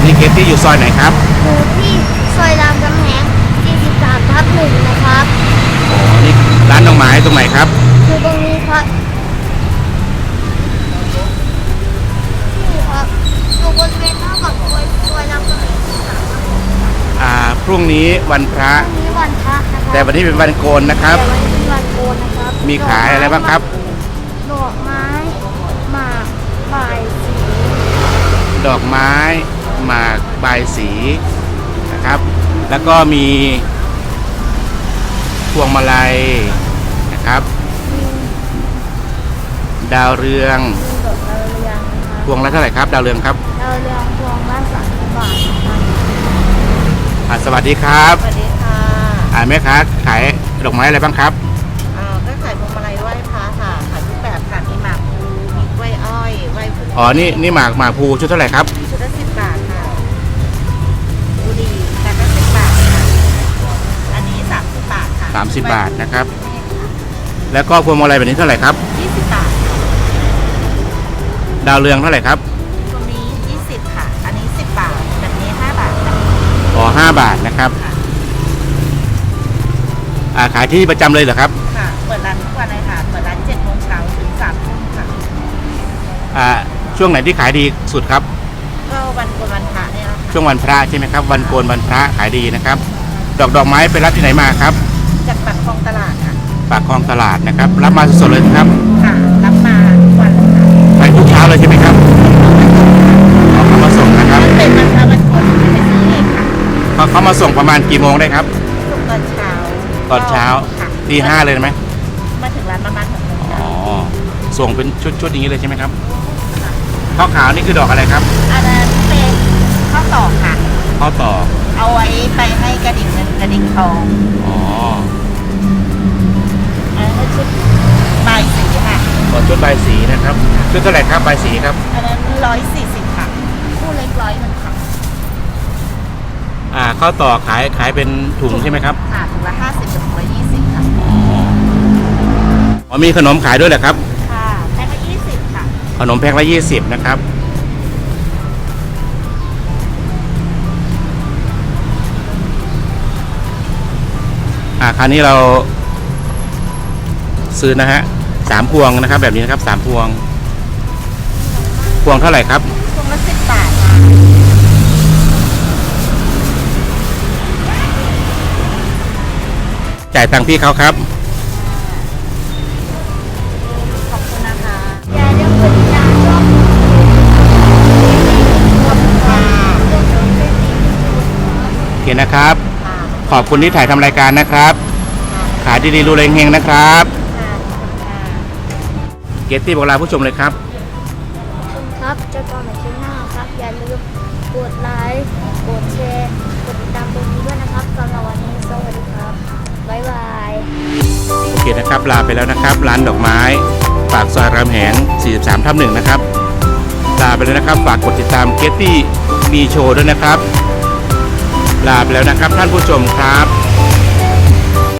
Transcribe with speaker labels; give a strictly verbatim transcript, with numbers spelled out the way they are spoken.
Speaker 1: นี้เกตตี้อยู่ซอยไหนครับ
Speaker 2: อยู่ที่ซอยรามคำแหงสี่สิบสามทับหนึ่งนะครับ
Speaker 1: อ๋อนี่ร้านดอกไม้ตรงไหนครับ
Speaker 2: คือตรงนี้ครับนี่ครับอยู่บริเวณหน้าปากซอยซอยรามคำแหงสี่สิบสามทับหนึ่ง
Speaker 1: อ่าพรุ่งนี้วันพระ
Speaker 2: พรุ่งนี้วันพระนะครับ
Speaker 1: แต่วันนี้เป็นวันโกนนะครับ
Speaker 2: แต่วันนี้เป็นวันโกนนะครับ
Speaker 1: มีขายอะไรบ้างครับ
Speaker 2: ดอกไม้หมากบายสี
Speaker 1: ดอกไม้หมากบายสีนะครับแล้วก็มีพวงมาลัยนะครับดาวเรือง
Speaker 2: ดอกดาวเรือง
Speaker 1: พวงละเท่าไหร่ครับดาวเรืองครับ
Speaker 2: ดาวเรืองพวงละสามสิบบาทนะครับ
Speaker 1: อ่าสวัสดีครับ
Speaker 3: สวัสดีค่ะ
Speaker 1: อ่าแม่ค้าขายดอกไม้อะไรบ้างครับ
Speaker 3: อ่าก็ขายพวงมาลัยไหว้พระค่ะขายทุกแบบค่ะมีหมากพลูมีกล้วยอ้อยไหว้พลู
Speaker 1: อ๋อนี่นี่หมากหมากพลูชุดเท่าไหร่ครับ
Speaker 3: ชุดละสิบบาทค่ะบุหรี่แต่ก็สิบบาทค่ะอันนี้สามสิบบาทค่ะ
Speaker 1: สามสิบบาทนะครับแล้วก็พวงมาลัยแบบนี้เท่าไหร่ครับ
Speaker 3: ยี่สิบบาท
Speaker 1: ดาวเรืองเท่าไหร่ครับ
Speaker 3: ตรงนี้ยี่สิบค่ะอันนี้สิบบาทแบบนี้ห้าบาทค่ะ
Speaker 1: อ๋อห้าบาทนะครับอ่าขายที่ประจำเลยเหรอครับ
Speaker 3: ค่ะเปิดร้านทุกวันเลยค่ะเปิดร้านเจ็ดโมงเช้าถึงสามทุ่มค่ะ
Speaker 1: อ่าช่วงไหนที่ขายดีสุดครับ
Speaker 3: ก็วันโกนวันพระเนี่ยแหละค่ะ
Speaker 1: ช่วงวันพระใช่ไหมครับวันโกนวันพระขายดีนะครับดอกดอกไม้ไปรับที่ไหนมาครับ
Speaker 3: จากปากคลองตลาดค่ะ
Speaker 1: ปากคลองตลาดนะครับรับมาสดๆเลยครับ
Speaker 3: ค่ะรับมาทุกวันเลยค่ะ
Speaker 1: ไปทุกเช้าเลยใช่ไหมครับเขามาส่งนะครับ
Speaker 3: เป็นวันพระวันโกนไปซื้อเองค่ะ
Speaker 1: เขาเขามาส่งประมาณกี่โมงได้ครับ
Speaker 3: ส่งตอนเช้า
Speaker 1: ตอนเช้าตีห้าเลยไหม
Speaker 3: มาถึงร้านประมาณหกโมง
Speaker 1: อ๋อส่งเป็นชุดๆอย่างนี้เลยใช่ไหมครับข้าวขาวนี่คือดอกอะไรครับ
Speaker 3: อันนั้นเป็นข้าวตอกค่ะ
Speaker 1: ข้าวตอก
Speaker 3: เอาไว้ไปให้กระดิ่งเงินกระดิ่งทอง
Speaker 1: อ๋อ
Speaker 3: อันนั้นชุดใบสีค่ะ
Speaker 1: ชุดใบสีนะครับชุดเท่าไหร่ครับใบสีครับ
Speaker 3: อันนั้นร้อยสี่สิบค่ะคู่เล็กร้อยหนึ่งค่ะ
Speaker 1: อ่าข้าวตอกขายขายเป็นถุงใช่ไหมครับ
Speaker 3: ค่ะถุงละห้าสิบถึงถุงละยี่สิบค่ะ
Speaker 1: อ๋อมีขนมขายด้วยเหรอครับ
Speaker 3: ค่ะแพ็คละยี่สิบค่ะ
Speaker 1: ขนมแพ็คละยี่สิบนะครับอ่าคราวนี้เราซื้อนะฮะสามพวงนะครับแบบนี้นะครับสามพวงพวงเท่าไหร่ครับ
Speaker 3: พวงละสิบบาท
Speaker 1: จ่ายตังค์พี่เขาครับ
Speaker 3: ขอบคุณนะคะ
Speaker 2: อย่าลืมกดติดตามช่อง
Speaker 1: โอเคนะครับขอบคุณที่ถ่ายทำรายการนะครับขายดีๆรูเรงเฮงนะครับเกตตี้บอกลาผู้ชมเลยครับ
Speaker 2: คุณครับเจอกันใหม่คลิปหน้าครับอย่าลืมกดไลค์กดแชร์กดติดตามตรงนี้ด้วยนะครับสำหรับวันนี้สวัสดีครับบ๊ายบาย
Speaker 1: โอเคนะครับลาไปแล้วนะครับร้านดอกไม้ปากซอยรามแหงสี่สิบสามทับหนึ่งนะครับลาไปแล้วนะครับฝากกดติดตามเกตตี้มีโชว์ด้วยนะครับลาไปแล้วนะครับท่านผู้ชมครับ